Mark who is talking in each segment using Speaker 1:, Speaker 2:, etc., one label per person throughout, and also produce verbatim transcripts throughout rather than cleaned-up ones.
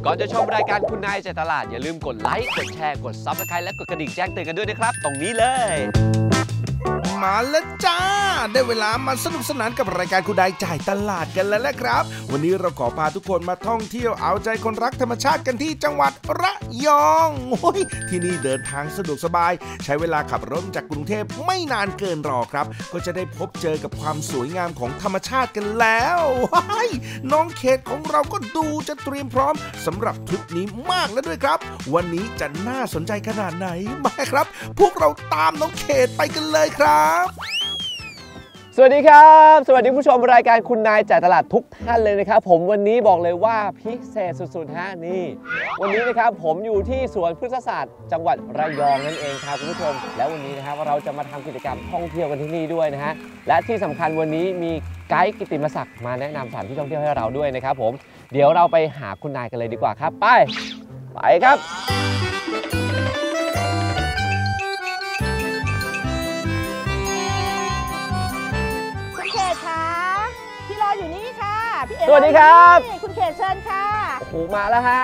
Speaker 1: ก่อนจะชมรายการคุณนายใจตลาดอย่าลืมกดไลค์กดแชร์กด ซับสไครบ์ และกดกระดิ่งแจ้งเตือนกันด้วยนะครับตรงนี้เลย
Speaker 2: มาแล้วจ้าได้เวลามาสนุกสนานกับรายการคุณนายจ่ายตลาดกันแล้วแหละครับวันนี้เราขอพาทุกคนมาท่องเที่ยวเอาใจคนรักธรรมชาติกันที่จังหวัดระยองโอ้ยที่นี่เดินทางสะดวกสบายใช้เวลาขับรถจากกรุงเทพไม่นานเกินรอครับก็จะได้พบเจอกับความสวยงามของธรรมชาติกันแล้วว้ายน้องเขตของเราก็ดูจะเตรียมพร้อมสำหรับทริปนี้มากแล้วด้วยครับวันนี้จะน่าสนใจขนาดไหนมาครับพวกเราตามน้องเขตไปกันเลยครับ
Speaker 1: สวัสดีครับสวัสดีผู้ชมรายการคุณนายจ่ายตลาดทุกท่านเลยนะครับผมวันนี้บอกเลยว่าพิเศษสุดๆฮะนี่วันนี้นะครับผมอยู่ที่สวนพฤกษศาสตร์จังหวัดระยองนั่นเองครับคุณผู้ชมแล้ววันนี้นะครับเราจะมาทำกิจกรรมท่องเที่ยวกันที่นี่ด้วยนะฮะและที่สำคัญวันนี้มีไกด์กิตติมศักดิ์มาแนะนำสถานที่ท่องเที่ยวให้เราด้วยนะครับผมเดี๋ยวเราไปหาคุณนายกันเลยดีกว่าครับไปไปครับ
Speaker 3: อยู่นี่ค่ะพี่เอ๋
Speaker 1: สวัสดีครับ
Speaker 3: คุณเขตเชิญค่ะ
Speaker 1: โอ้โหมาแล้วฮะ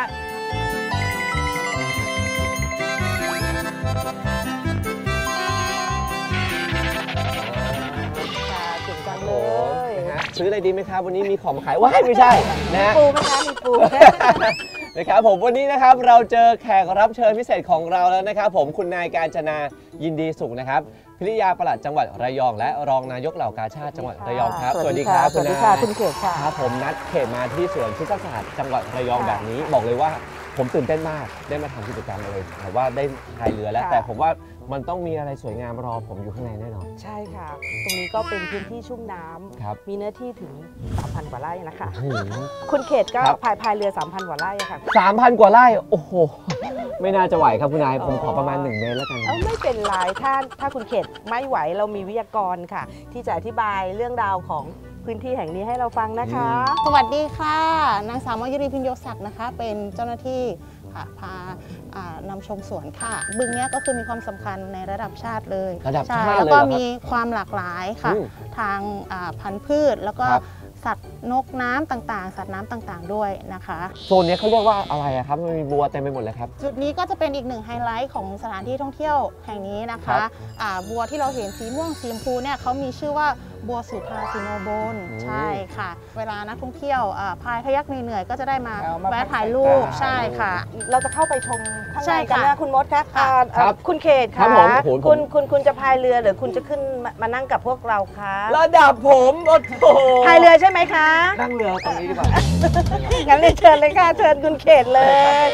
Speaker 3: เก่งจังเลย
Speaker 1: นะฮะซื้ออะไรดีไหมครับวันนี้มีของมาขายว้ายไม่ใช่นะ
Speaker 3: ปูไหมคะมีปู
Speaker 1: นะครับผมวันนี้นะครับเราเจอแขกรับเชิญพิเศษของเราแล้วนะครับผมคุณนายกาญจนายินดีสุขนะครับพิริยาปลัดจังหวัดระยองและรองนายกเหล่ากาชาติจังหวัดระยองครับ
Speaker 3: สวัสดีครับ
Speaker 1: สวั
Speaker 3: สดีค่ะคุณเขตค่ะ
Speaker 1: ครับผมนัดเขตมาที่สวนพฤกษศาสตร์จังหวัดระยองแบบนี้บอกเลยว่าผมตื่นเต้นมากได้มาทำกิจกรรมเลยแต่ว่าได้พายเรือแล้วแต่ผมว่ามันต้องมีอะไรสวยงามรอผมอยู่ข้างในแน่นอน
Speaker 3: ใช่ค่ะตรงนี้ก็เป็นพื้นที่ชุ่มน้ำมีเนื้อที่ถึง สามพัน กว่าไร่นะคะคุณเขตก็พายพายเรือ สามพัน กว่าไร่ค่ะ
Speaker 1: สามพัน กว่าไร่โอ้โหไม่น่าจะไหวครับคุณนายผมขอประมาณหนึ่งเมตรแล้วกัน
Speaker 3: เออไม่เป็นไรถ้าถ้าคุณเขตไม่ไหวเรามีวิทยากรค่ะที่จะอธิบายเรื่องราวของพื้นที่แห่งนี้ให้เราฟังนะคะ
Speaker 4: สวัสดีค่ะนางสาวมยุรีพิญโยศักดิ์นะคะเป็นเจ้าหน้าที่ค่ะพานำชมสวนค่ะบึงนี้ก็คือมีความสำคัญในระดับชาติเลย
Speaker 1: ระดับชาติเลย
Speaker 4: แล้วก็มีความหลากหลายค่ะทางพันธุ์พืชแล้วก็สัตว์นกน้ำต่างๆสัตว์น้ำต่างๆด้วยนะคะ
Speaker 1: โซนนี้เขาเรียกว่าอะไรครับมันมีบัวเต็มไปหมดเลยครับ
Speaker 4: จุดนี้ก็จะเป็นอีกหนึ่งไฮไลท์ของสถานที่ท่องเที่ยวแห่งนี้นะคะบัวที่เราเห็นสีม่วงสีชมพูเนี่ยเขามีชื่อว่าบัวสุธาสิโนบนใช่ค่ะเวลานักท่องเที่ยวพายพยักเหนื่อยๆก็จะได้มาแวะถ่ายรูปใช่ค่ะ
Speaker 3: เราจะเข้าไปชมข้างในกันนะคุณมดคะคุณเขตคะ
Speaker 1: คุ
Speaker 3: ณคุณคุณจะพายเรือหรือคุณจะขึ้นมานั่งกับพวกเราคะ
Speaker 1: ระดับผมโอ้โห
Speaker 3: พายเรือใช่ไหมคะ
Speaker 1: นั่งเรือตรงนี้ดีกว่า
Speaker 3: งั้นเรียนเชิญเลยค่ะเชิญคุณเขตเลย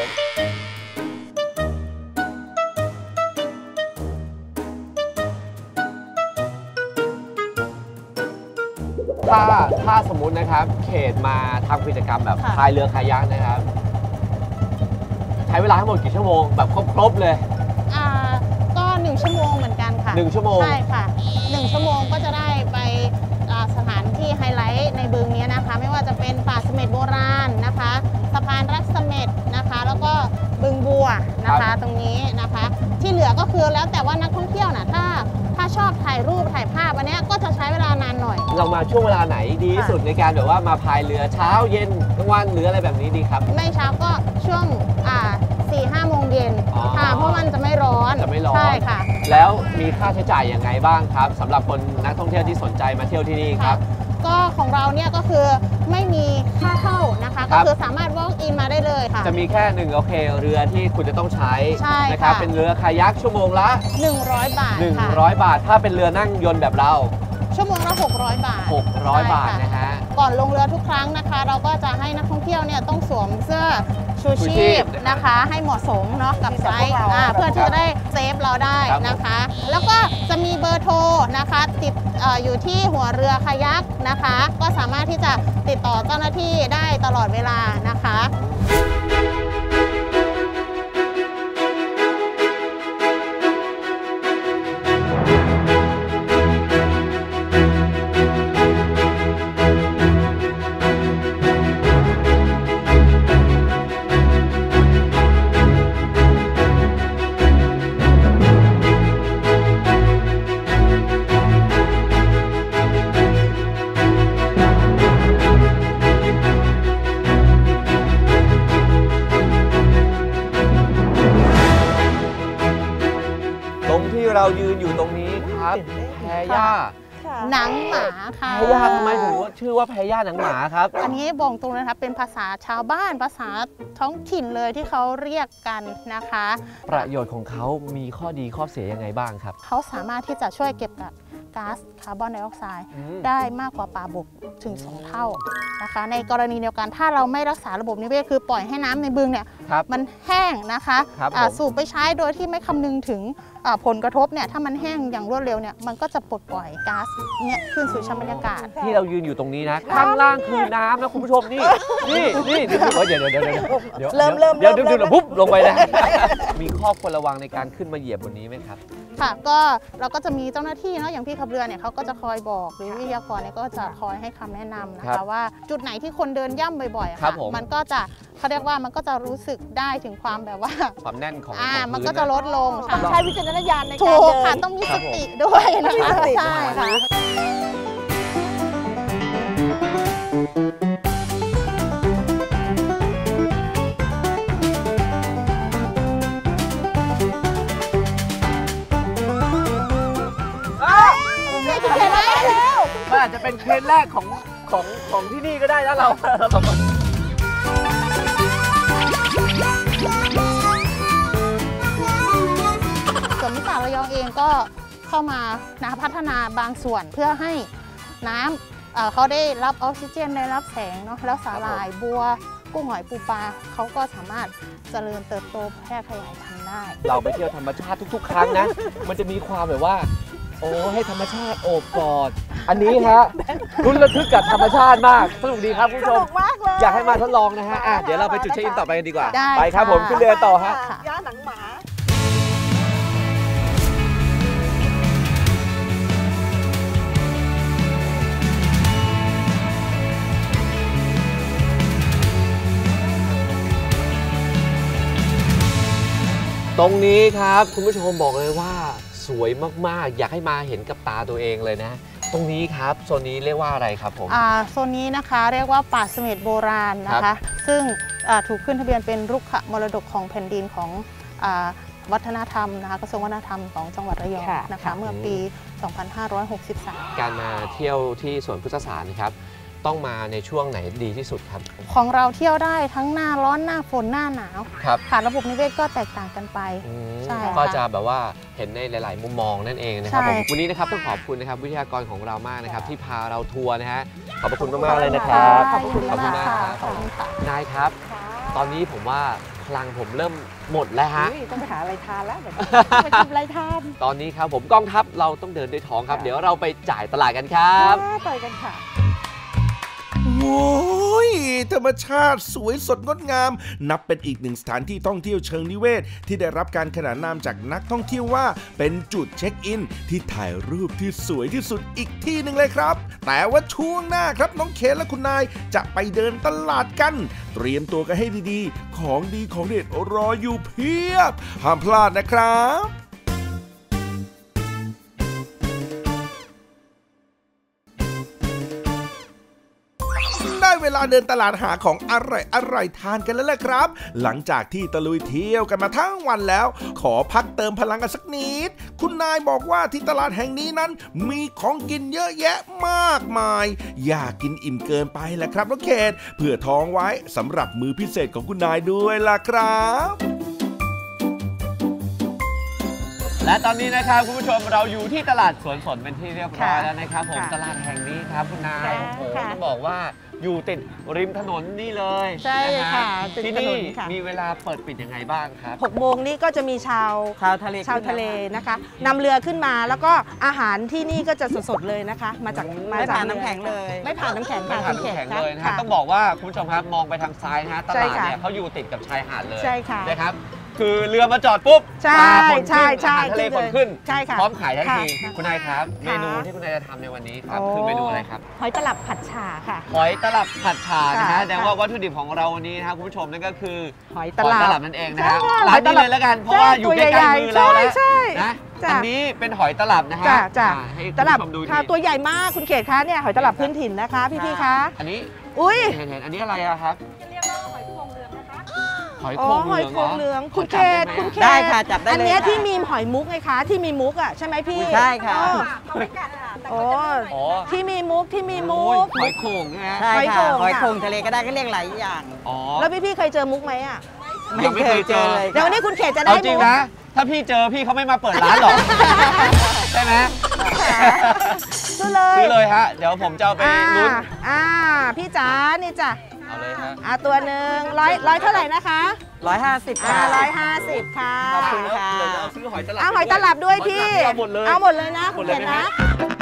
Speaker 1: ถ้าถ้าสมมุตินะครับเขตมาทำกิจกรรมแบบพายเรือคายักนะครับใช้เวลาทั้งหมดกี่ชั่วโมงแบบครบๆเลย
Speaker 4: อ่าก็หนึ่งชั่วโมงเหมือนกันค่ะ
Speaker 1: หนึ่งชั่วโมง
Speaker 4: ใช่ค่ะหนึ่งชั่วโมงก็จะได้ไปสถานที่ไฮไลท์ในบึงนี้นะคะไม่ว่าจะเป็นป่าเสม็ดโบราณนะคะสะพานรักเสม็ดนะคะแล้วก็บึงบัวนะคะตรงนี้นะคะที่เหลือก็คือแล้วแต่ว่านักท่องเที่ยวนะถ้าถ้าชอบถ่ายรูปถ่ายภาพอันนี้ก็จะใช้เวลานานหน่อย
Speaker 1: เรามาช่วงเวลาไหนดีที่สุดในการแบบว่ามาพายเรือเช้าเย็นกลางวันหรืออะไรแบบนี้ดีครับ
Speaker 4: ไม่เช้าก็ช่วงอ่าสี่ห้าโมงเย็นค่ะเพราะมันจะไม่ร้อน
Speaker 1: จะไม่ร้อน
Speaker 4: ใช่ค่ะ
Speaker 1: แล้วมีค่าใช้จ่ายยังไงบ้างครับสำหรับคนนักท่องเที่ยวที่สนใจมาเที่ยวที่นี่ครับ
Speaker 4: ก็ของเราเนี่ยก็คือไม่มีค่าเข้านะคะก็คือสามารถ walk in มาได้เลยค่ะ
Speaker 1: จะมีแค่หนึ่งโอเคเรือที่คุณจะต้องใช้นะครับเป็นเรือคายักชั่วโมงละ
Speaker 4: หนึ่งร้อยบาท
Speaker 1: หนึ่งร้อยบาทถ้าเป็นเรือนั่งยนต์แบบเรา
Speaker 4: ชั่วโมงละหกร้อยบาท
Speaker 1: หกร้อยบาทนะฮะ
Speaker 4: ก่อนลงเรือทุกครั้งนะคะเราก็จะให้นักท่องเที่ยวเนี่ยต้องสวมเสื้อชูชีพนะคะให้เหมาะสมเนาะกับไซส์เพื่อที่จะได้เซฟเราได้นะคะแล้วก็จะมีเบอร์โทรนะคะติดอยู่ที่หัวเรือคายักนะคะก็สามารถที่จะติดต่อเจ้าหน้าที่ได้ตลอดเวลานะคะ
Speaker 1: เรายืนอยู่ตรงนี้ครับแพย่า
Speaker 4: หนังหมาค่ะ
Speaker 1: แพย่าทำไมถึงว่าชื่อว่าแพย่าหนังหมาครับ
Speaker 4: อันนี้บอกตรงเลยนะคะเป็นภาษาชาวบ้านภาษาท้องถิ่นเลยที่เขาเรียกกันนะคะ
Speaker 1: ประโยชน์ของเขามีข้อดีข้อเสียยังไงบ้างครับ
Speaker 4: เขาสามารถที่จะช่วยเก็บกักก๊าซคาร์บอนไดออกไซด์
Speaker 1: อืม
Speaker 4: ได้มากกว่าปลาบกถึงสองเท่านะคะ ในกรณีเดียวกันถ้าเราไม่รักษาระบบนิเวศคือปล่อยให้น้ำในบึงเนี่ย
Speaker 1: ครับ
Speaker 4: มันแห้งนะคะ
Speaker 1: ครับ
Speaker 4: อ่า
Speaker 1: ผม
Speaker 4: สูบไปใช้โดยที่ไม่คำนึงถึงอ่าผลกระทบเนี่ยถ้ามันแห้งอย่างรวดเร็วเนี่ยมันก็จะปลดปล่อยก๊าซเนี่ยขึ้นสู่ชั้นบรรยากาศ
Speaker 1: ที่เรายืนอยู่ตรงนี้นะข้างล่างคือน้ำนะคุณผู้ชมนี่นี่นี่เดี๋ยวเดี๋ยวเดี๋ยวเดี๋ยวเดี๋ยว
Speaker 3: เริ่มเริ่ม
Speaker 1: เดี๋ยว
Speaker 3: เริ่
Speaker 1: เดี๋ยว
Speaker 3: ม
Speaker 1: เดี๋ยวปุ๊บลงไปนะมีข้อควรระวังในการขึ้นมาเหยียบบนนี้ไหมครับ
Speaker 4: ค่ะก็เราก็จะมีเจ้าหน้าที่เนาะอย่างพี่ขับเรือเนี่ยเขาก็จะคอยบอกหรือวิทยากรเนี่ยก็จะคอยให้คำแนะนำนะ
Speaker 1: ครั
Speaker 4: คะ
Speaker 1: บ
Speaker 4: ว่าจุดไหนที่คนเดินย่ำบ่อยๆอะ
Speaker 1: ครั
Speaker 4: ค่ะ
Speaker 1: บผม
Speaker 4: มันก็จะเขาเรียกว่ามันก็จะรู้สึกได้ถึงความแบบว่า
Speaker 1: ความแน่นของ
Speaker 4: อ่า
Speaker 1: ของ
Speaker 4: มัน
Speaker 1: พื้
Speaker 4: ก็จะลดลง
Speaker 3: ต้
Speaker 4: ค่ะ
Speaker 3: องใช้วิจารณญาณใน
Speaker 4: ถู
Speaker 3: การ
Speaker 4: ก
Speaker 3: เดิน
Speaker 4: ค่ะต้องมี
Speaker 1: ครั
Speaker 4: ส
Speaker 1: บผม
Speaker 4: ติด้วยนะคะ
Speaker 3: มีสติ
Speaker 4: ใช่ค่ะ เห็นไหม
Speaker 1: มันอาจจะเป็นเคสแรกของของของที่นี่ก็ได้นะเราเราสองคน
Speaker 4: ส่วนมิสาระยองเองก็เข้ามานะพัฒนาบางส่วนเพื่อให้น้ำเอ่อเขาได้รับออกซิเจนได้รับแสงเนาะแล้วสาหร่ายบัวกุ้งหอยปูปลาเขาก็สามารถเจริญเติบโตแพร่ขยายพันธุ์ได้
Speaker 1: เราไปเที่ยวธรรมชาติทุก ๆ ครั้งนะ มันจะมีความแบบว่า โอ้ให้ธรรมชาติโอบกอด อันนี้ฮะรุนระทึกกับธรรมชาติมากสนุกดีครับคุณผู้ชม
Speaker 3: มากเลย
Speaker 1: อยากให้มาทดลองนะฮะอ่ะเดี๋ยวเราไปจุดเช็คอินต่อไปกันดีกว่า
Speaker 4: ได้
Speaker 1: ไปครับ
Speaker 4: ค่ะ
Speaker 1: ผมขึ้นเรือต่อฮะ
Speaker 3: ย่าหนังหมา
Speaker 1: ตรงนี้ครับคุณผู้ชมบอกเลยว่าสวยมากๆ อยากให้มาเห็นกับตาตัวเองเลยนะ ตรงนี้ครับโซนนี้เรียกว่าอะไรครับผม
Speaker 4: อ่าโซนนี้นะคะเรียกว่าป่าเสม็ดโบราณนะ
Speaker 1: ครั
Speaker 4: คะ
Speaker 1: บ
Speaker 4: ซึ่งอ่าถูกขึ้นทะเบียนเป็นรุกขมรดกของแผ่นดินของอาวัฒนธรรมนะคะกระทรวงวัฒนธรรมของจังหวัดระยอง
Speaker 3: ค่ะ
Speaker 4: นะคะ
Speaker 3: ค่ะ
Speaker 4: เมื่อปี สองพันห้าร้อยหกสิบสาม
Speaker 1: การมาเที่ยวที่สวนพฤกษศาสตร์นะครับต้องมาในช่วงไหนดีที่สุดครับ
Speaker 4: ของเราเที่ยวได้ทั้งหน้าร้อนหน้าฝนหน้าหนาว
Speaker 1: ครับ
Speaker 4: ค่ะระบบนิเวศก็แตกต่างกันไป
Speaker 1: อืม
Speaker 4: ใช่ค่ะ
Speaker 1: ก็จะแบบว่าเห็นในหลาย ๆ มุมมองนั่นเองนะครับ
Speaker 4: ใช่
Speaker 1: ผมวันนี้นะครับต้องขอบคุณนะครับวิทยากรของเรามากนะครับที่พาเราทัวร์นะฮะขอบพระคุณมากๆเลยนะครับ
Speaker 3: ขอบคุณ
Speaker 1: ขอบคุณ
Speaker 3: มาก
Speaker 1: มาก
Speaker 3: ค่ะ
Speaker 1: ครับ
Speaker 4: ขอบคุณค่ะ
Speaker 1: นายครับ ตอนนี้ผมว่าพลังผมเริ่มหมดแล้วฮะ
Speaker 3: อุ๊ยต้องไปหาอะไรทานแล้วเดี๋ยวไปทำอะไรทาน
Speaker 1: ตอนนี้ครับผมกองทัพเราต้องเดินด้วยท้องครับ
Speaker 3: ค่ะ
Speaker 1: เดี๋ยวเราไปจ่ายตลาดกันครับ
Speaker 3: ต่อยกันค่ะ
Speaker 2: โอ้ยธรรมชาติสวยสดงดงาม นับเป็นอีกหนึ่งสถานที่ท่องเที่ยวเชิงนิเวศ ที่ได้รับการขนานนามจากนักท่องเที่ยวว่า เป็นจุดเช็คอิน ที่ถ่ายรูปที่สวยที่สุดอีกที่หนึ่งเลยครับ แต่ว่าช่วงหน้าครับน้องเคนและคุณนายจะไปเดินตลาดกัน เตรียมตัวกันให้ดีๆ ของดีของเด็ดรออยู่เพียบห้ามพลาดนะครับ ได้เวลาเดินตลาดหาของอร่อยอร่อยทานกันแล้วแหละครับ หลังจากที่ตะลุยเที่ยวกันมาทั้งวันแล้ว ขอพักเติมพลังกันสักนิด คุณนายบอกว่าที่ตลาดแห่งนี้นั้น มีของกินเยอะแยะมากมาย อยากกินอิ่มเกินไปแหละครับน้องเขตเพื่อท้องไว้สำหรับมื้อพิเศษของคุณนายด้วยล่ะครับ
Speaker 1: และตอนนี้นะครับคุณผู้ชมเราอยู่ที่ตลาดสวนสนเป็นที่เรียบร้อย
Speaker 3: ค่ะ
Speaker 1: แล้วนะครับผม
Speaker 3: ค่ะ
Speaker 1: ตลาดแห่งนี้ครับคุณนาย
Speaker 3: ค่ะ
Speaker 1: โอ้โห
Speaker 3: ค่ะ
Speaker 1: ต้องบอกว่าอยู่ติดริมถนนนี่เลย
Speaker 3: ใช่
Speaker 1: นฮ
Speaker 3: ค่ะติด
Speaker 1: ที่
Speaker 3: ถน
Speaker 1: นี่
Speaker 3: นค่ะ
Speaker 1: มีเวลาเปิดปิดยังไงบ้างครับ
Speaker 3: หกโมงนี้ก็จะมีชาว
Speaker 5: ชาวทะเล
Speaker 3: ชาวทะเลนะคะนำเรือขึ้นมาแล้วก็อาหารที่นี่ก็จะสดๆเลยนะคะ มาจาก
Speaker 1: อืม
Speaker 3: มา
Speaker 5: ไม่
Speaker 3: จาก
Speaker 5: ผ่าน
Speaker 3: รือ
Speaker 5: น้ำแข็งเลย
Speaker 3: ไม่ผ่านน้ำแข็ง
Speaker 1: ไม่
Speaker 3: ค่ะ
Speaker 1: ผ่าน
Speaker 3: คุณ
Speaker 1: น้ำแข็ง
Speaker 3: ขต
Speaker 1: เลยนะฮะ
Speaker 3: ค่ะ
Speaker 1: ต้องบอกว่าคุณผู้ชมครับมองไปทางซ้ายนะฮะต
Speaker 3: ใช่
Speaker 1: ลาด
Speaker 3: ค่ะ
Speaker 1: เนี่ยเขาอยู่ติดกับชายหาดเลย
Speaker 3: ใช่ค่ะ
Speaker 1: นะครับคือเรือมาจอดปุ๊บ
Speaker 3: ใช่
Speaker 1: ปลาฝน
Speaker 3: ใช่
Speaker 1: ขึ้น
Speaker 3: ใช่
Speaker 1: อาหารทะเล
Speaker 3: ขึ้
Speaker 1: ฝ
Speaker 3: น
Speaker 1: น
Speaker 3: เลย
Speaker 1: ขึ้น
Speaker 3: ใช่ค่ะ
Speaker 1: พร้อมขายทันที
Speaker 3: ค่ะ
Speaker 1: คุณนายครับ เม
Speaker 3: ค่ะ
Speaker 1: นูที่คุณนายจะทำในวันนี้ครับ
Speaker 3: โอ้
Speaker 1: คือเมนูอะไรครับ
Speaker 3: หอยตลับผัดฉ่าค่ะ
Speaker 1: หอยตลับผัดฉ่านะฮะ
Speaker 3: ค่ะ
Speaker 1: แสดงว่าวัตถุดิบของเราวันนี้นะครับคุณผู้ชมนั่นก็คือ
Speaker 3: หอย
Speaker 1: ห
Speaker 3: ต
Speaker 1: อย
Speaker 3: ลับ
Speaker 1: ตลับนั่นเองนะฮะ
Speaker 3: ใช่
Speaker 1: ร้านนี้
Speaker 3: หอยตลับ
Speaker 1: เลยแล้วกันเพราะว่าอยู่ใก
Speaker 3: ตัว
Speaker 1: ล้
Speaker 3: ใหญ่
Speaker 1: ๆมือเราแล้ว
Speaker 3: ใช่
Speaker 1: นะ
Speaker 3: จ้ะ
Speaker 1: อันนี้เป็นหอยตลับนะฮะ
Speaker 3: จ้ะจ้ะ
Speaker 1: อ่าให้
Speaker 3: ตลับ
Speaker 1: คุณผู้ชมดู
Speaker 3: ค่ะ
Speaker 1: ที
Speaker 3: ตัวใหญ่มากคุณเขตคะเนี่ยหอยตลับพื้นถิ่นนะคะ พี่ๆคะ
Speaker 1: อันนี้
Speaker 3: อุ้ย
Speaker 1: เห็นเห็นอันนี้อะไรอะครับ
Speaker 3: ห
Speaker 1: หอย
Speaker 3: อ๋
Speaker 1: โข
Speaker 3: อง หอย
Speaker 1: เห
Speaker 3: โข
Speaker 1: ลือง
Speaker 3: งเหลือง
Speaker 1: ข
Speaker 3: คุณ
Speaker 1: จั
Speaker 3: เข
Speaker 1: บ
Speaker 3: ต
Speaker 1: ได้
Speaker 3: คุณ
Speaker 1: ไหม
Speaker 3: เขต
Speaker 5: ได้ค่ะจับได้
Speaker 3: อัน
Speaker 5: เลย
Speaker 3: เนี้ย
Speaker 5: ค่ะ
Speaker 3: ที่มีหอยมุกไงคะที่มีมุกอ่ะใช่ไหมพี่
Speaker 5: ใช่ค่ะ
Speaker 3: อ๋อโอ้
Speaker 1: อ๋อ
Speaker 3: ที่มีมุกที่มีมุ
Speaker 1: โอ้ย
Speaker 3: ก
Speaker 1: หอยโขงใช่ไหม
Speaker 5: ใช่
Speaker 3: หอยโข่
Speaker 5: ค่ะ
Speaker 3: ง
Speaker 5: หอย
Speaker 3: ค่ะ
Speaker 5: โขงทะเลก็ได้ก็เรียกหลายอย่าง
Speaker 1: อ๋อ
Speaker 3: แล้วพี่พี่ๆเคยเจอมุกไหมอ่ะ
Speaker 1: ยังไม่เคยเจอ
Speaker 5: เลย
Speaker 3: เดี๋ยววันนี้คุณเขตจะได้
Speaker 1: เอาจริง
Speaker 3: มุก
Speaker 1: นะ ถ้าพี่เจอพี่เขาไม่มาเปิดร้านหรอก ใช่ไหม
Speaker 3: ซื้อเลย
Speaker 1: ซื้อเลยฮะ เดี๋ยวผมจะเอาไป
Speaker 3: อ่า
Speaker 1: ลุ้น
Speaker 3: อ่าพี่จ๋านี่จ้ะ
Speaker 1: เอาเลยฮะ
Speaker 3: อ่าตัวหนึ่งร้อยร้อยเท่าไหร่นะคะ
Speaker 5: ร้อยห้าสิบ
Speaker 3: อ่า
Speaker 5: ค่ะ
Speaker 3: ร้อยห้าสิบค่ะ
Speaker 5: ขอบคุณค่ะ
Speaker 1: เดี๋ยวเราซื้อหอยตลับ
Speaker 3: เอาหอยตลับด้วยพี่
Speaker 1: เอาหมดเลย
Speaker 3: เอาหมดเลยนะ
Speaker 1: หม
Speaker 3: คุ
Speaker 1: ด
Speaker 3: ณ
Speaker 1: เล
Speaker 3: เข
Speaker 1: ย
Speaker 3: ต
Speaker 1: ไหม
Speaker 3: นะ
Speaker 1: ฮะ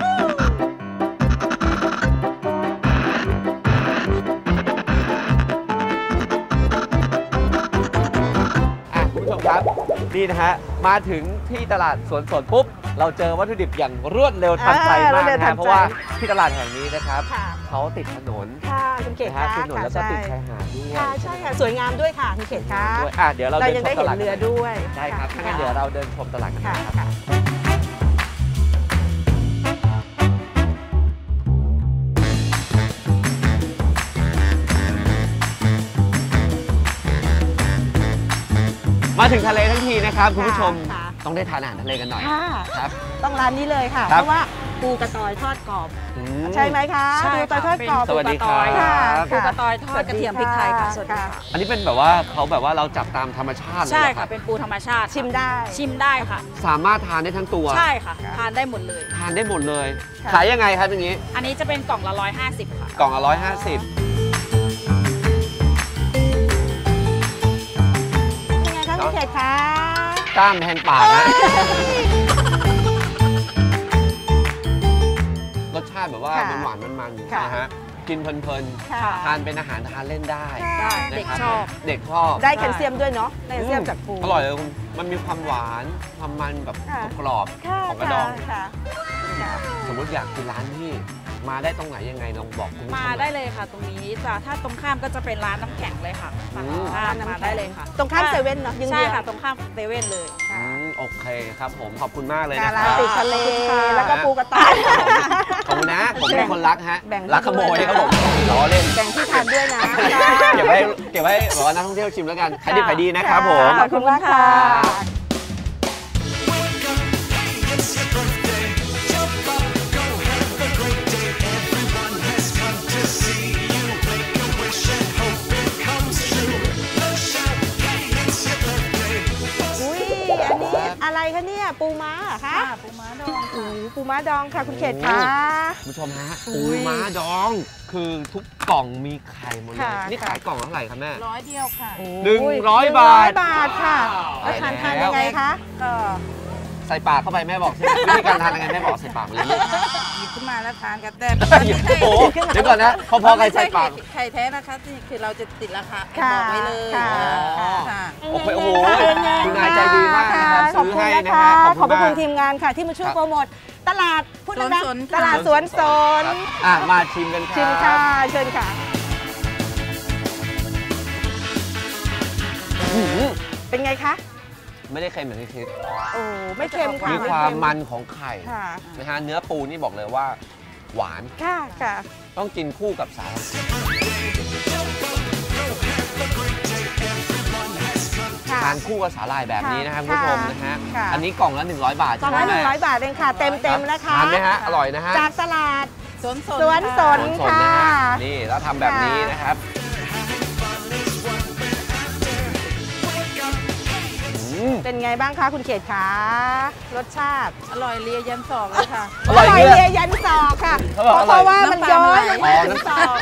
Speaker 1: อ่ะคุณผู้ชมครับนี่นะฮะมาถึงที่ตลาดสวนสดปุ๊บเราเจอวัตถุดิบอย่างรวดเร็วทันใจ
Speaker 3: อ่ารว
Speaker 1: มา
Speaker 3: ด
Speaker 1: ก
Speaker 3: เร็ว
Speaker 1: นะ
Speaker 3: ทั
Speaker 1: ฮะ
Speaker 3: นใจ
Speaker 1: เพราะว่าที่ตลาดแห่งนี้นะครับ
Speaker 3: ค่ะ
Speaker 1: เขาติดถนน
Speaker 3: ค่ะคุณเขต
Speaker 1: นะ
Speaker 3: ค่ะ
Speaker 1: ฮะติดถนนแล้วก็
Speaker 3: ค่ะ
Speaker 1: ติด
Speaker 3: ใช่
Speaker 1: ชายหาดด้วย
Speaker 3: ค่ะใช่ค่ะสวยงามด้วยค่ะคุณเขตค่ะ
Speaker 1: ด้วยอ่ะเดี๋ยวเรา
Speaker 3: เรา
Speaker 1: เดิน
Speaker 3: ยัง
Speaker 1: ช
Speaker 3: ได้
Speaker 1: มต
Speaker 3: เห็น
Speaker 1: ลาด
Speaker 3: เรือด้วย
Speaker 1: ได้ครับ
Speaker 3: ะ
Speaker 1: ถ้างั้นเดี๋ยวเราเดินชมตลาดกัน
Speaker 3: ค่ะ
Speaker 1: นะครับ
Speaker 3: ค่ะ
Speaker 1: มาถึงทะเลทั้งทีนะครับคุณผู้ชม
Speaker 3: ค่ะ
Speaker 1: ต้องได้ทานอาหารทะเลกันหน่อย
Speaker 3: ค่ะ
Speaker 1: ครับ
Speaker 3: ต้องร้านนี้เลยค่ะ
Speaker 1: ครั
Speaker 3: เพ
Speaker 1: บ
Speaker 3: ราะว่าปูกระตอยทอดกรอบ
Speaker 1: อืม
Speaker 3: ใช่ไหมคะ
Speaker 6: ใช่
Speaker 3: ปูกระตอยทอดกรอบ
Speaker 1: สวัสดีครับ
Speaker 3: ค่ะ
Speaker 6: ปูกระตอยทอดกระเทียมพริกไทยค่ะสวัสดีค่ะ
Speaker 1: อันนี้เป็นแบบว่าเขาแบบว่าเราจับตามธรรมชาติเลย
Speaker 6: ใช่
Speaker 1: เหรอ
Speaker 6: ค่ะ เป็นปูธรรมชาติ
Speaker 3: ชิมได้
Speaker 6: ชิมได้ค่ะ
Speaker 1: สามารถทานได้ทั้งตัว
Speaker 6: ใช่ค่ะ ทานได้หมดเลย
Speaker 1: ทานได้หมดเลย
Speaker 3: ค่ะ
Speaker 1: ขายยังไงครับอย่างนี้
Speaker 6: อันนี้จะเป็นกล่องละร้อยห้าสิบค่ะ
Speaker 1: กล่องละร้อยห้าสิบ
Speaker 3: ยังไงคะคุณเขตคะ
Speaker 1: กล้ามแทนปากนะรสชาติแบบว่า
Speaker 3: ค่ะ
Speaker 1: มันหวานมันมันๆ
Speaker 3: ค่ะ
Speaker 1: นะฮะกินเพลิน
Speaker 3: ค่ะ
Speaker 1: ๆทานเป็นอาหารทานเล่นได้
Speaker 6: ได้
Speaker 1: นะ
Speaker 6: เด็ก
Speaker 1: ครับ
Speaker 6: ชอบ
Speaker 1: เด็กชอบ
Speaker 3: ได้แคลเซียมด้วยเนาะได้แคลเซียมจากปู
Speaker 1: อร่อยเลยคุณมันมีความหวานความมันแบบ
Speaker 3: ค่ะ
Speaker 1: กรอบ
Speaker 3: ค่ะ
Speaker 1: ๆของกระดอง
Speaker 3: ค่ะค่ะ
Speaker 1: สมมติอยากกินร้านที่มาได้ตรงไหนยังไงลองบอกคุณผู้ชม
Speaker 6: มา
Speaker 1: หน่อย
Speaker 6: ได้เลยค่ะ ตรงนี้จ้ะถ้าตรงข้ามก็จะเป็นร้านน้ำแข็งเลยค่ะ
Speaker 1: อื
Speaker 6: ฝั่ง
Speaker 1: ม
Speaker 6: ตรงข้ามมาได้เลยค่ะ
Speaker 3: ตรงข้ามเซเว่นเนาะยัง
Speaker 6: ใช่
Speaker 3: เดียว
Speaker 6: ค่ะ ตรงข้ามเซเว่นเลย
Speaker 1: อืมโอเคครับผมขอบคุณมากเลย
Speaker 3: ค่ะ
Speaker 1: นะค
Speaker 3: ร้า
Speaker 1: รั
Speaker 3: น
Speaker 1: บ
Speaker 3: ติดทะเล
Speaker 6: ขอบคุณค่ะ
Speaker 3: แล้วก็ปูกระต่าย
Speaker 1: ขอบคุณนะผมเป็นคนรักฮะ
Speaker 3: แบ่งให้
Speaker 1: รักขโมย
Speaker 3: ด้วยนะ
Speaker 1: ครับผมล้อเล่น
Speaker 3: แบ่งที่ทานด้วยนะ
Speaker 1: เก็บไว้เก็บไว้บอกว่านักท่องเที่ยวชิมแล้วกันขายดีขายดีนะครับผม
Speaker 3: ขอบคุณมากค่ะ อุ้ยอันนี้อะไรคะเนี่ยปูม้าเหรอคะ
Speaker 6: ปูม้าดอง
Speaker 3: โอ้โหปูม้าดองค่ะคุณเขตคะ
Speaker 1: คุณผู้ชมฮะ
Speaker 3: อุ้
Speaker 1: ปู
Speaker 3: ย
Speaker 1: ม้าดอง คือทุกกล่องมีไข่หมดเลย
Speaker 3: ค่ะ
Speaker 1: นี่ขายกล่องเท่าไหร่ครับแม่
Speaker 6: ร้อยเดียวค่ะ
Speaker 1: หนึ่ง
Speaker 3: โ
Speaker 1: ร้อย
Speaker 3: หนึ่ง
Speaker 1: บาท
Speaker 3: บาทค่ะแล้วทานทานยังไงคะ
Speaker 6: ก็
Speaker 1: ใส่ปากเข้าไปแม่บอกใช่ไหมวิธีการทานยังไงแม่บอกใส่ปากไปเลยลูก
Speaker 6: หยิบขึ้นมาแล้วทานกันแต่
Speaker 1: โอ้โหเดี๋ยวก่อนนะพอๆใครใส่ปาก
Speaker 6: ไข่แท้นะคะนี่คือเราจะติดราคา
Speaker 3: ค่ะ
Speaker 6: บอกไว้เลย
Speaker 3: ค่ะ
Speaker 6: ค่ะ
Speaker 1: โอเคโอ้โหคุณนายใจดีมากนะครับ
Speaker 3: ขอบ
Speaker 1: ซื้อ
Speaker 3: คุณ
Speaker 1: ให้
Speaker 3: นะ
Speaker 1: นะคะ ฮะ
Speaker 3: ขอบพระคุณ
Speaker 1: มาก
Speaker 3: ทีมงานค่ะ ที่มาช่วย
Speaker 1: ครับ
Speaker 3: โปรโมทตลาดพูดดัง
Speaker 6: สวนสน
Speaker 3: ๆตลาดสวนสน
Speaker 1: ครับอ่ะมาชิมกันครับ
Speaker 3: ชิมค่ะเชิญค่ะ
Speaker 1: อื้อหือ
Speaker 3: เป็นไงคะ
Speaker 1: ไม่ได้เค็มเหมือนที่คิด
Speaker 3: โอ้ไม่เค็มค่ะ
Speaker 1: มีความมันของไข่
Speaker 3: ค่ะ
Speaker 1: นะฮะเนื้อปูนี่บอกเลยว่า หวาน
Speaker 3: ค่ะค่ะ
Speaker 1: ต้องกินคู่กับสาหร่าย
Speaker 3: ค่ะ
Speaker 1: ทานคู่กับสาหร่ายแบบนี้นะครับคุณผู้ชมนะฮะ
Speaker 3: ค่ะ
Speaker 1: อันนี้กล่องละหนึ่งร้อยบาท
Speaker 3: กล่องละหนึ่งร้อยบาทเองค่ะ เต็มเต็มๆนะคะ
Speaker 1: ทานไหมฮะอร่อยนะฮะ
Speaker 3: จากตลาด
Speaker 6: สวนสน
Speaker 3: สวนสน
Speaker 1: สดๆ
Speaker 3: ค่ะ
Speaker 1: นะฮะนี่แล้วทำแบบนี้นะครับอืม
Speaker 3: เป็นไงบ้างคะคุณเขตคะรสชาติ
Speaker 6: อร่อยเลียยันสองเลยค่ะ
Speaker 1: อร่อย
Speaker 3: อ
Speaker 1: เนี่ย
Speaker 3: เลยยันศอกค่ะ
Speaker 1: เขาบอกอร่อย
Speaker 3: เพราะว่ามันย้อยลงมา
Speaker 1: อ๋อ
Speaker 3: ถึง
Speaker 1: น้ำ
Speaker 3: ศอก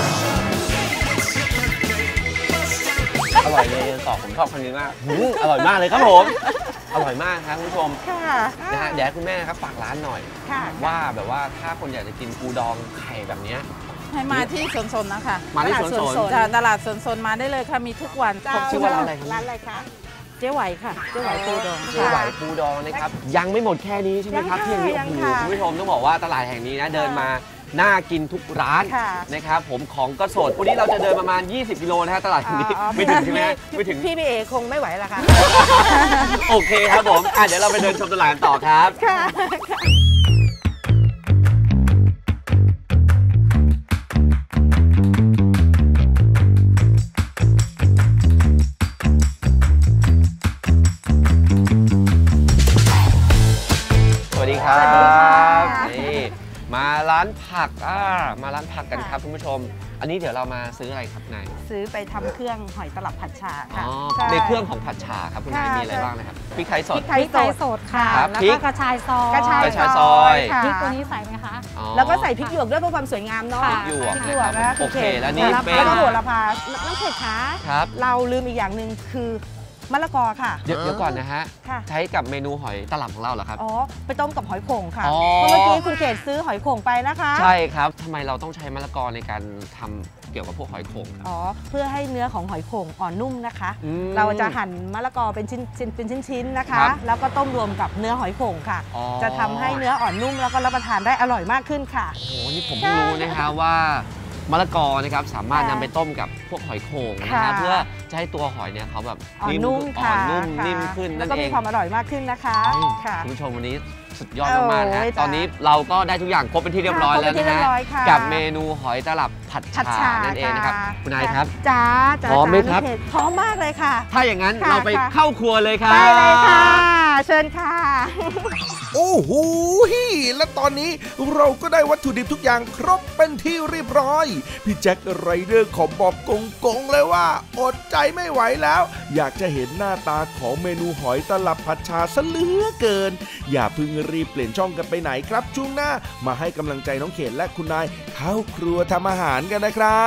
Speaker 1: อร่อยเลยตอบผมชอบคำนี้มากอืมอร่อยมากเลยครับผม อร่อยมากครับคุณผู้ชม
Speaker 3: ค่ะ
Speaker 1: นะฮะเดี๋ยวให้คุณแม่นะครับฝากร้านหน่อย
Speaker 3: ค่ะ
Speaker 1: ว่าแบบว่าถ้าคนอยากจะกินปูดองไข่แบบเนี้ย
Speaker 6: ให้มาที่สวนสนนะคะ
Speaker 1: มาที่สวนสน
Speaker 6: จ้ะตลาดสวนสนมาได้เลยค่ะ มีทุกวัน
Speaker 1: ผมชื่อว่าร้านอะไรครับ
Speaker 3: ร้านอะไรคะ
Speaker 6: เจ๊ไหวค่ะ เจ๊ไหวปูดอง
Speaker 1: เจ๊ไหวปูดองนะครับยังไม่หมดแค่นี้ใช่ไหมครับ
Speaker 3: ยัง
Speaker 1: ที่
Speaker 3: ค่ะ
Speaker 1: อย่างนี้
Speaker 3: ยัง
Speaker 1: โอ้โห
Speaker 3: ค่ะ
Speaker 1: คุณผู้ชมต้องบอกว่าตลาดแห่งนี้นะเดินมาน่ากินทุกร้าน
Speaker 3: ค่ะ
Speaker 1: นะครับผมของก็สดวันนี้เราจะเดินประมาณ ยี่สิบกิโลนะฮะตลาดแห่งนี้
Speaker 3: อ๋อ
Speaker 1: ไม่ถึงใช่ไหมฮะไม่ถึง
Speaker 3: พี่พี่เอคงไม่ไหวละค่ะ
Speaker 1: โอเคครับผมอ่ะเดี๋ยวเราไปเดินชมตลาดกันต่อครับ
Speaker 3: ค่ะ
Speaker 1: ร้านผักอ่ามาร้านผักกันครับคุณผู้ชม อันนี้เดี๋ยวเรามาซื้ออะไรครับนาย
Speaker 3: ซื้อไปทำเครื่องหอยตลับผัดฉ่า
Speaker 1: อ๋
Speaker 3: ค่ะ
Speaker 1: อ
Speaker 3: ใช่
Speaker 1: ในเครื่องของผัดฉ่าครับคุณนาย
Speaker 3: ค่ะ
Speaker 1: มีอะไรบ้างนะครับพริกไทยส
Speaker 3: พ
Speaker 1: ด
Speaker 3: ริกไท
Speaker 5: พ
Speaker 3: ย
Speaker 5: ริก
Speaker 3: ส
Speaker 5: ไทย
Speaker 3: ด
Speaker 5: สดค่ะ
Speaker 1: ครับ
Speaker 5: แล้ว
Speaker 1: พริ
Speaker 5: ก็
Speaker 1: ก
Speaker 5: กระชายซอย
Speaker 3: กระชาย
Speaker 1: กระชายซอย
Speaker 3: ค่ะ
Speaker 5: พริกตัวนี้ใส่ไหมคะ
Speaker 1: อ๋อ
Speaker 3: แล้วก็ใส่พริกหยวกด้วยเพื่อความสวยงามเนาะ
Speaker 5: ค่ะ
Speaker 1: หยวก
Speaker 3: พริกหยวกนะ
Speaker 1: โอเคแล้วนี่
Speaker 3: แล้ว
Speaker 1: เป็น
Speaker 3: ก็โหระพาน้องเขตคะ
Speaker 1: ครับ
Speaker 3: เราลืมอีกอย่างหนึ่งคือมะละกอค่ะ
Speaker 1: เดี๋ยวเดี๋ยวก่อนนะฮะ
Speaker 3: ค่ะ
Speaker 1: ใช้กับเมนูหอยตลับของเราเหรอครับ
Speaker 3: อ๋อไปต้มกับหอยโข่งค่ะ
Speaker 1: อ๋อ
Speaker 3: เพราะเมื่อกี้คุณเขตซื้อหอยโข่งไปนะคะ
Speaker 1: ใช่ครับทำไมเราต้องใช้มะละกอในการทำเกี่ยวกับพวกหอยโข่งครับ
Speaker 3: อ๋อเพื่อให้เนื้อของหอยโข่งอ่อนนุ่มนะคะ
Speaker 1: อืม
Speaker 3: เราจะหั่นมะละกอเป็นชิ้นชิ้นเป็นชิ้นๆนะคะ
Speaker 1: ครับ
Speaker 3: แล้วก็ต้มรวมกับเนื้อหอยโข่งค่ะ
Speaker 1: อ๋อ
Speaker 3: จะทำให้เนื้ออ่อนนุ่มแล้วก็รับประทานได้อร่อยมากขึ้นค่ะ
Speaker 1: โอ้โหนี่ผมเพิ่งรู้นะคะว่ามะละกอนะครับสามารถนำไปต้มกับพวกหอยโข่งนะ
Speaker 3: ค่ะ
Speaker 1: ฮะเพื่อจะให้ตัวหอยเนี่ยเขาแบบ
Speaker 3: อ่อนนุ่ม
Speaker 1: อ่
Speaker 3: ค่ะ
Speaker 1: อนนุ่ม
Speaker 3: ค่ะ
Speaker 1: นิ่มขึ้น
Speaker 3: แล้
Speaker 1: นั่
Speaker 3: วน ก็
Speaker 1: เอ
Speaker 3: มี
Speaker 1: ง
Speaker 3: ความอร่อยมากขึ้นนะคะ
Speaker 1: อืม
Speaker 3: ค่ะ
Speaker 1: คุณผู้ชมวันนี้สุดยอดมากๆนะฮะ
Speaker 3: โอ้ยจ้ะ
Speaker 1: ตอนนี้เราก็ได้ทุกอย่างครบเป็นที่เรียบร้อย
Speaker 3: ค่ะ
Speaker 1: แล้ว
Speaker 3: ครบเป็นที่
Speaker 1: นะ
Speaker 3: เรีย
Speaker 1: ฮะ
Speaker 3: บร้อยค่ะ
Speaker 1: กับเมนูหอยตลับผัด
Speaker 3: ผัด
Speaker 1: ฉ่า
Speaker 3: ฉ่า
Speaker 1: นั่นเองนะครับ
Speaker 3: ะ
Speaker 1: คุณนายครับ
Speaker 3: จ้าจ้า
Speaker 1: พร้อมไหมครับ
Speaker 3: จ้าน้องเขตพร้อมมากเลยค่ะ
Speaker 1: ถ้าอย่างนั้น
Speaker 3: ค่ะ
Speaker 1: เราไป
Speaker 3: ค่ะ
Speaker 1: เข้าครัวเลยครับ
Speaker 3: ไปเลยค่ะ เชิญค่ะ
Speaker 2: โอ้โหและตอนนี้เราก็ได้วัตถุดิบทุกอย่างครบเป็นที่เรียบร้อย พี่แจ็คไรเดอร์ขอบอกกงๆเลยว่า อดใจไม่ไหวแล้ว อยากจะเห็นหน้าตาของเมนูหอยตลับผัดชาซะเหลือเกิน อย่าเพิ่งรีบเปลี่ยนช่องกันไปไหนครับช่วงหน้ามาให้กำลังใจน้องเขตและคุณนายเข้าครัวทำอาหารกันนะครับ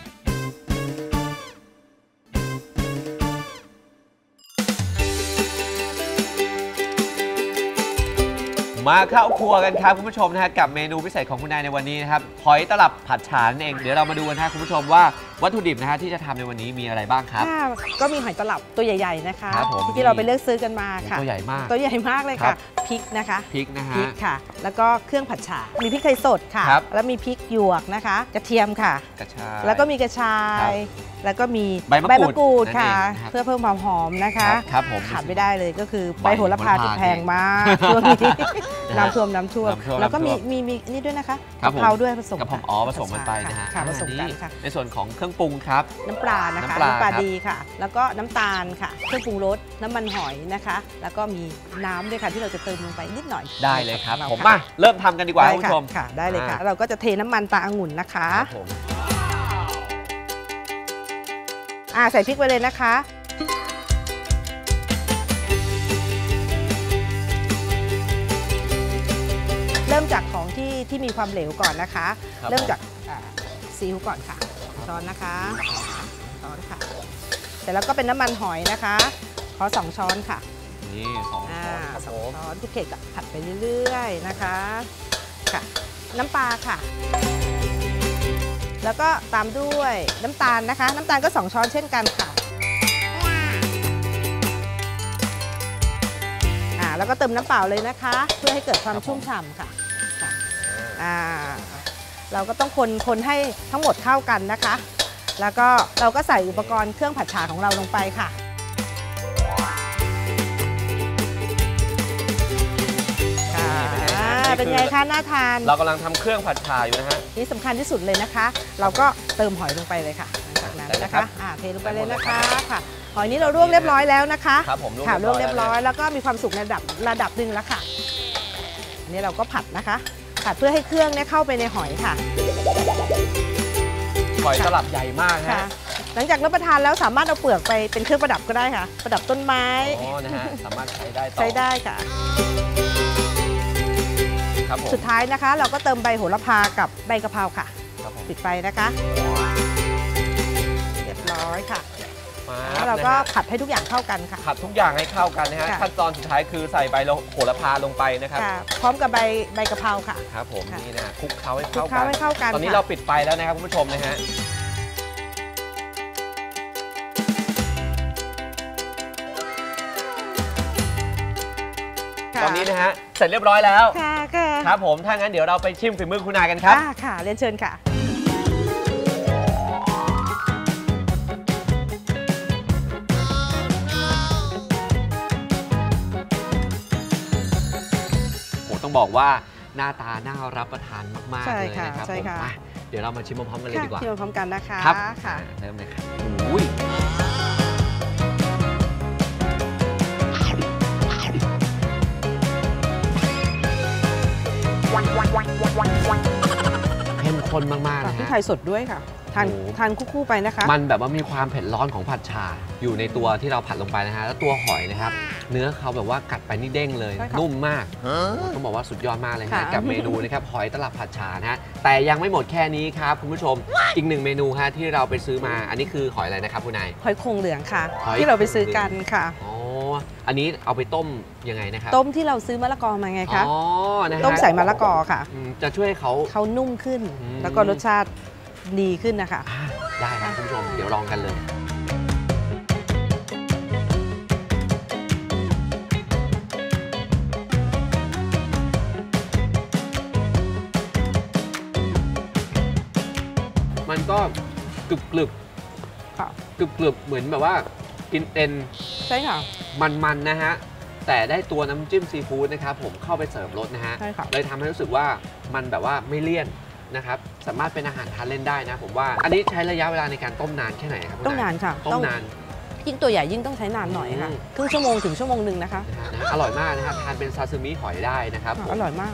Speaker 1: มาเข้าครัวกันครับคุณผู้ชมนะฮะกับเมนูพิเศษของคุณนายในวันนี้นะครับหอยตลับผัดฉ่านั่นเองเดี๋ยวเรามาดูกันนะคุณผู้ชมว่าวัตถุดิบนะฮะที่จะทำในวันนี้มีอะไรบ้างครับ
Speaker 3: ค่ะก็มีหอยตลับตัวใหญ่ ๆ นะคะ
Speaker 1: ครับผม
Speaker 3: ที่เราไปเลือกซื้อกันมาค่ะ
Speaker 1: ตัวใหญ่มาก
Speaker 3: ตัวใหญ่มากเลย
Speaker 1: ครั
Speaker 3: ค่ะ
Speaker 1: บ
Speaker 3: พริกนะคะ
Speaker 1: พริกนะฮะ
Speaker 3: พริกค่ะ แล้วก็เครื่องผัดฉ่ามีพริกไทยสดค่ะ
Speaker 1: ครับ
Speaker 3: แล้วมีพริกหยวกนะคะ กระเทียมค่ะ
Speaker 1: กระชาย
Speaker 3: แล้วก็มีกระชาย แล้วก็มี
Speaker 1: ใบมะกรูด
Speaker 3: กรูดค่ะ
Speaker 1: นั่นเองนะครับ
Speaker 3: เพื่อเพิ่มความหอมนะ
Speaker 1: ครั
Speaker 3: คะ
Speaker 1: บครับผม
Speaker 3: ขาดไม่ได้เลยก็คือ
Speaker 1: ใบ
Speaker 3: ใบโหระพา
Speaker 1: โหระพา
Speaker 3: ที่แพงมากช่วงนี้
Speaker 1: นะฮะ
Speaker 3: น้ำท่วมน้ำท่วม
Speaker 1: น้ำท่วม
Speaker 3: แล้วก็มี
Speaker 1: น้ำท่วม
Speaker 3: มีมีนี่ด้วยนะคะ
Speaker 1: ครับ
Speaker 3: กะ
Speaker 1: ผม
Speaker 3: เพราด้วยผสม
Speaker 1: กระเพรา
Speaker 3: ค่ะ
Speaker 1: อ๋อผสมกันไปนะฮะ
Speaker 3: ค่ะผสมกัน
Speaker 1: อั
Speaker 3: ค่ะ
Speaker 1: ในส่วนของเครื่องปรุงครับ
Speaker 3: น้ำปลานะคะ
Speaker 1: น้ำปลาครับ
Speaker 3: ดีค่ะ แล้วก็น้ำตาลค่ะ เครื่องปรุงรส น้ำมันหอยนะคะ แล้วก็มีน้ำด้วยค่ะที่เราจะเติมลงไปนิดหน่อย
Speaker 1: ได้เลยครับ
Speaker 3: ของ
Speaker 1: ผม
Speaker 3: ค่ะ
Speaker 1: มาเริ่มทำกันดีกว่า
Speaker 3: ได้
Speaker 1: คุณ
Speaker 3: ค่ะ
Speaker 1: ผู้ชม
Speaker 3: ค่ะ ได้เลยค่ะ
Speaker 1: อ่า
Speaker 3: เราก็จะเทน้ำมันตาองุ่นนะคะ
Speaker 1: ครับผม
Speaker 3: อ่าใส่พริกไปเลยนะคะ เริ่มจากของที่ที่มีความเหลวก่อนนะคะ
Speaker 1: ครับ
Speaker 3: เริ่มจากอ่าซีอิ๊วก่อนค่ะช้อนนะคะช้อนค่ะเสร็จแล้วก็เป็นน้ำมันหอยนะคะ ขอสองช้อนค่ะ
Speaker 1: นี่สอง
Speaker 3: อ่า
Speaker 1: ช้อนครับ
Speaker 3: ส
Speaker 1: ผ
Speaker 3: อง
Speaker 1: ม
Speaker 3: ช้อนทุกเขตก็ผัดไปเรื่อยๆนะคะค่ะ น้ำปลาค่ะ แล้วก็ตามด้วยน้ำตาลนะคะ น้ำตาลก็สองช้อนเช่นกันค่ะอ่าแล้วก็เติมน้ำเปล่าเลยนะคะ เพื่อให้เกิดความชุ่มฉ่ำค่ะค่ะอ่าเราก็ต้องคนคนให้ทั้งหมดเข้ากันนะคะ แล้วก็เราก็ใส่อุปกรณ์เครื่องผัดฉ่าของเราลงไปค่ะค่ะอ่าเป็นไงคะน่าทาน
Speaker 1: เรากำลังทำเครื่องผัดฉ่าอยู่นะฮะ
Speaker 3: นี่สำคัญที่สุดเลยนะคะ เราก็เติมหอยลงไปเลยค่ะหลังจากนั้น
Speaker 1: ได้เลย
Speaker 3: นะ
Speaker 1: ครั
Speaker 3: คะ
Speaker 1: บ
Speaker 3: อ่าเทลงไปเลยนะคะค่ะ หอยนี้เราลวกเรียบร้อยแล้วนะคะ
Speaker 1: ครับผมลวก
Speaker 3: ค่ะลวก
Speaker 1: เรี
Speaker 3: เรี
Speaker 1: ย
Speaker 3: ย
Speaker 1: บบ ร้
Speaker 3: ร้
Speaker 1: อ
Speaker 3: อย ยแล้วก็มีความสุกในระดับระดับหนึ่งแล้วค่ะอันนี้เราก็ผัดนะคะ ผัดเพื่อให้เครื่องเนี่ยเข้าไปในหอยค่ะ
Speaker 1: หอยตลับใหญ่มาก
Speaker 3: ค่ะ
Speaker 1: ฮะ
Speaker 3: หลังจากรับประทานแล้วสามารถเอาเปลือกไปเป็นเครื่องประดับก็ได้ค่ะ ประดับต้นไม้
Speaker 1: อ๋อนะฮะสามารถใช้ได้ต่อ
Speaker 3: ใช้ได้ค่ะ
Speaker 1: ครับผม
Speaker 3: สุดท้ายนะคะ เราก็เติมใบโหระพากับใบกะเพราค่ะ
Speaker 1: ครับผม
Speaker 3: ปิดไฟนะคะ เรียบร้อยค่ะ
Speaker 1: มา
Speaker 3: แล้วเราก็
Speaker 1: นะฮะ
Speaker 3: ผัดให้ทุกอย่างเข้ากันค่ะ
Speaker 1: ผัดทุกอย่างให้เข้ากันนะฮะ
Speaker 3: ค่ะ
Speaker 1: ขั้นตอนสุดท้ายคือใส่ใบโหระพาลงไปนะครับ
Speaker 3: ค่ะ พร้อมกับใบใบกะเพราค่ะ
Speaker 1: ครับผม
Speaker 3: ค่ะ
Speaker 1: นี่นะคลุกเคล้าให้
Speaker 3: คลุก
Speaker 1: เข้า
Speaker 3: เคล้า
Speaker 1: กัน
Speaker 3: ให้เข้ากัน
Speaker 1: ตอนนี้
Speaker 3: ค่ะ
Speaker 1: เราปิดไฟแล้วนะครับคุณผู้ชมนะฮะ
Speaker 3: ค่ะ
Speaker 1: ตอนนี้นะฮะเสร็จเรียบร้อยแล้ว
Speaker 3: ค่ะค่ะ
Speaker 1: ครับผมถ้างั้นเดี๋ยวเราไปชิมฝีมือคุณนายกันครับ
Speaker 3: อ่าค่ะ เรียนเชิญค่ะ
Speaker 1: โหต้องบอกว่าหน้าตาน่ารับประทานมาก
Speaker 3: ใช่
Speaker 1: ๆเลย
Speaker 3: ค่ะ
Speaker 1: นะครับ
Speaker 3: ใช่
Speaker 1: ผม
Speaker 3: ค่ะ
Speaker 1: มาเดี๋ยวเรามาชิมพร้อมๆกันเลยดีกว่า
Speaker 3: ที่มาพร้อมกันนะคะ
Speaker 1: ครับ
Speaker 3: ค่ะ
Speaker 1: อ่าเริ่มเลยครับอุ้ยข้นมากๆนะ
Speaker 3: พริก
Speaker 1: ฮะ
Speaker 3: ไทยสดด้วยค่ะทาน
Speaker 1: โอ้
Speaker 3: ทานคู่ๆไปนะคะ
Speaker 1: มันแบบว่ามีความเผ็ดร้อนของผัดชาอยู่ในตัวที่เราผัดลงไปนะฮะแล้วตัวหอยนะครับเนื้อเขาแบบว่ากัดไปนี่เด้งเลย
Speaker 3: ใช่ค่ะ
Speaker 1: นุ่มมากต้องบอกว่าสุดยอดมากเลยฮะ
Speaker 3: ค่ะ
Speaker 1: กับเมนูนะครับหอยตลับผัดชานะฮะแต่ยังไม่หมดแค่นี้ครับคุณผู้ชมอีกหนึ่งเมนูฮะที่เราไปซื้อมาอันนี้คือหอยอะไรนะครับคุณนาย
Speaker 3: หอยโข่งเหลืองค่ะ
Speaker 1: หอย
Speaker 3: ที่เราไปซื้อกันค่ะ
Speaker 1: อ๋ออันนี้เอาไปต้มยังไงนะครับ
Speaker 3: ต้มที่เราซื้อมะละกอมาไงคะ
Speaker 1: อ๋อนะฮะ
Speaker 3: ต้มใส่มะละกอค่ะ
Speaker 1: อืมจะช่วยให้เขา
Speaker 3: เขานุ่มขึ้น
Speaker 1: อืม
Speaker 3: แล้วก็รสชาติดีขึ้นนะคะ
Speaker 1: อ่าได้ครับคุณผู้ชมเดี๋ยวลองกันเลย มันก็กรึบกรึบ
Speaker 3: ค่ะ
Speaker 1: กรึบกรึบเหมือนแบบว่ากินเอ็น
Speaker 3: ใช่ค่ะ
Speaker 1: มันๆนะฮะแต่ได้ตัวน้ำจิ้มซีฟู้ดนะครับผมเข้าไปเสริมรสนะฮะ
Speaker 3: ใช่ค่ะ
Speaker 1: เลยทำให้รู้สึกว่ามันแบบว่าไม่เลี่ยนนะครับสามารถเป็นอาหารทานเล่นได้นะผมว่าอันนี้ใช้ระยะเวลาในการต้มนานแค่ไหนครับคุณ
Speaker 3: ต้องนานค่ะ
Speaker 1: ต้มนาน
Speaker 3: ยิ่งตัวใหญ่ยิ่งต้องใช้นานหน่อยค่ะ
Speaker 1: อืม
Speaker 3: ครึ่งชั่วโมงถึงชั่วโมงหนึ่งนะคะ
Speaker 1: นะฮะนะฮะอร่อยมากนะฮะทานเป็นซาซิมิหอยได้นะครับผม
Speaker 3: อร่อยมาก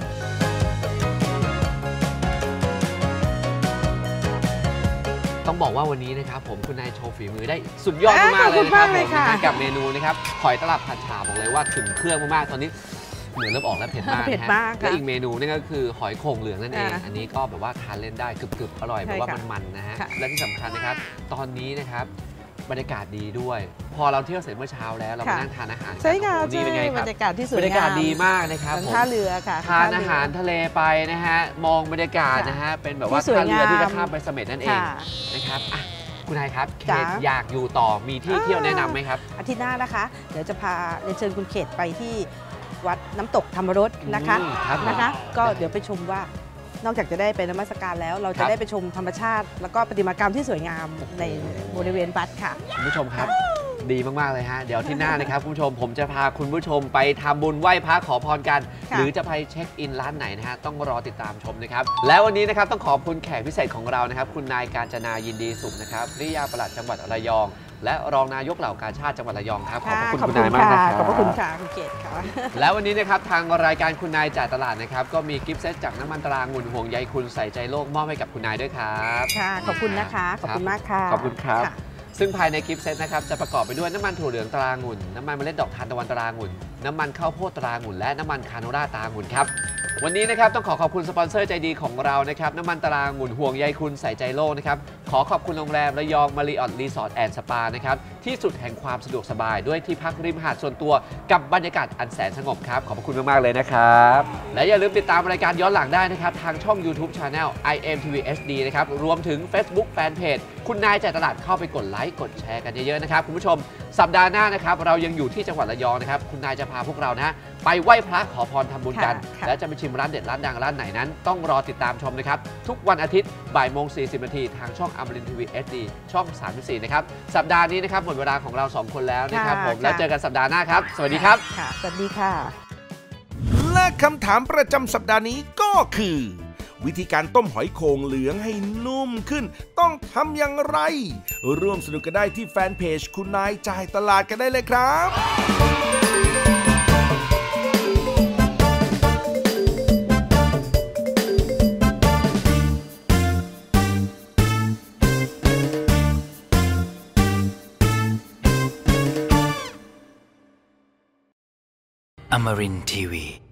Speaker 1: ต้องบอกว่าวันนี้นะครับผมคุณนายโชว์ฝีมือได้สุดยอดมากๆเลยนะครับผมนะฮะกับเมนูนะครับหอยตลับผัดฉ่าบอกเลยว่าถึงเครื่องมากๆตอนนี้เหมือนเริ่มออกแล้วเผ็ดมาก
Speaker 3: เผ็ด
Speaker 1: นะฮะ
Speaker 3: มากค่ะ
Speaker 1: และอีกเมนูนี่ก็คือหอยโข่งเหลืองนั่นเอง
Speaker 3: อ่า
Speaker 1: อันนี้ก็แบบว่าทานเล่นได้กรึบๆอร่อยแบบว่า
Speaker 3: ใช่ค่ะ
Speaker 1: มันๆนะฮะ
Speaker 3: ค่ะ
Speaker 1: และที่สำคัญนะครับตอนนี้นะครับบรรยากาศดีด้วย พอเราเที่ยวเสร็จเมื่อเช้าแล้วเรามานั่งทานอาหารกัน
Speaker 3: ใช่ค่ะ
Speaker 1: โอ้โหนี่เป็นไงค
Speaker 3: บ
Speaker 1: รั
Speaker 3: ร
Speaker 1: บ
Speaker 3: รยากาศที่สวย
Speaker 1: บรรยากาศ
Speaker 3: งาม
Speaker 1: ดีมากนะครับ
Speaker 3: เหมือน
Speaker 1: ผม
Speaker 3: ท่าเรือค่ะ
Speaker 1: ทาน
Speaker 3: ท่
Speaker 1: อา
Speaker 3: เรื
Speaker 1: หารทะเลไปนะฮะมองบรรยากาศนะฮะเป็นแบบว่า
Speaker 3: ที่สวย
Speaker 1: ท่าเรือที่จะ
Speaker 3: งาม
Speaker 1: ข้ามไปเสม็ดนั่นเอง
Speaker 3: ค่ะ
Speaker 1: นะครับอ่ะคุณนายครับเข
Speaker 3: จ๋า
Speaker 1: ตอยากอยู่ต่อมีที่เที่ยวแนะนำไหมครับ
Speaker 3: อาทิตย์หน้านะคะ เดี๋ยวจะพาเรียนเชิญคุณเขตไปที่วัดน้ำตกธรรมรสนะคะ
Speaker 1: อืมครับ
Speaker 3: นะคะ ก็เดี๋ยวไปชมว่านอกจากจะได้ไปนมัสการแล้ว เรา
Speaker 1: ครั
Speaker 3: จะ
Speaker 1: บ
Speaker 3: ได้ไปชมธรรมชาติ แล้วก็ประติมากรรมที่สวยงามในบริเวณวัดค่ะ
Speaker 1: คุณผู้ชมครับ ดีมาก ๆ เลยฮะ เดี๋ยวที่หน้านะครับ คุณผู้ชมผมจะพาคุณผู้ชมไปทำบุญไหว้พระขอพรกัน
Speaker 3: ค่ะ
Speaker 1: หรือจะไปเช็คอินร้านไหนนะฮะ ต้องรอติดตามชมนะครับ แล้ววันนี้นะครับต้องขอบคุณแขกพิเศษของเรานะครับ คุณนายกาญจนายินดีสุขนะครับริยาปลัดจังหวัดระยอง และรองนายกเหล่ากาชาติจังหวัดระยองครับ ขอบพระคุณคุณนายมากนะครับ
Speaker 3: ขอบพระคุณค่ะคุณเกศค่ะ
Speaker 1: แล้ววันนี้นะครับทางรายการคุณนายจ่ายตลาดนะครับก็มีกิฟต์เซตจากน้ำมันตรางุ่นห่วงใยคุณใส่ใจโลกมอบให้กับคุณนายด้วยครับ
Speaker 3: ค่ะ ขอบคุณนะคะ ขอบคุณมากค่ะ
Speaker 1: ขอบคุณครับ
Speaker 3: ะ
Speaker 1: ซึ่งภายในกิฟต์เซตนะครับจะประกอบไปด้วยน้ำมันถั่วเหลืองตรางุ่นน้ำมันเมล็ดดอกทานตะวันตรางุ่นน้ำมันข้าวโพดตรางุ่นและน้ำมันคาโนล่าตรางุ่นครับวันนี้นะครับต้องขอขอบคุณสปอนเซอร์ใจดีของเรานะครับน้ำมันตรางุ่นห่วงใยคุณใส่ใจโลกนะครับขอขอบคุณโรงแรมระยองมาริออทรีสอร์ทแอนด์สปานะครับที่สุดแห่งความสะดวกสบายด้วยที่พักริมหาดส่วนตัวกับบรรยากาศอันแสนสงบครับขอบคุณมากๆเลยนะครับและอย่าลืมติดตามรายการย้อนหลังได้นะครับทางช่อง YouTube Channel ไอ เอ็ม ที วี เอช ดี นะครับรวมถึง Facebook Fanpage คุณนายจ่ายตลาดเข้าไปกดไลค์กดแชร์กันเยอะๆนะครับคุณผู้ชมสัปดาห์หน้านะครับเรายังอยู่ที่จังหวัดระยองนะครับคุณนายจะพาพวกเรานะไปไหว้พระขอพรทำบุญกัน
Speaker 3: ค่ะ
Speaker 1: และจะไปชิมร้านเด็ดร้านดังร้านไหนนั้น ต้องรอติดตามชมนะครับทุกวันอาทิตย์บ่ายโมงสี่สิบนาทีทางช่องอมรินทร์ทีวี เอช ดี ช่องสามสิบสี่นะครับสัปดาห์นี้นะครับหมดเวลาของเราสองคนแล้วนะครับผมแล้วเจอกันสัปดาห์หน้าครับสวัสดีครับ
Speaker 3: ค่ะ สวัสดีค่ะ
Speaker 2: และคำถามประจำสัปดาห์นี้ก็คือ วิธีการต้มหอยโข่งเหลืองให้นุ่มขึ้น ต้องทำอย่างไร ร่วมสนุกกันได้ที่แฟนเพจคุณนายจ่ายตลาดกันได้เลยครับ
Speaker 7: Amarin Tiwi.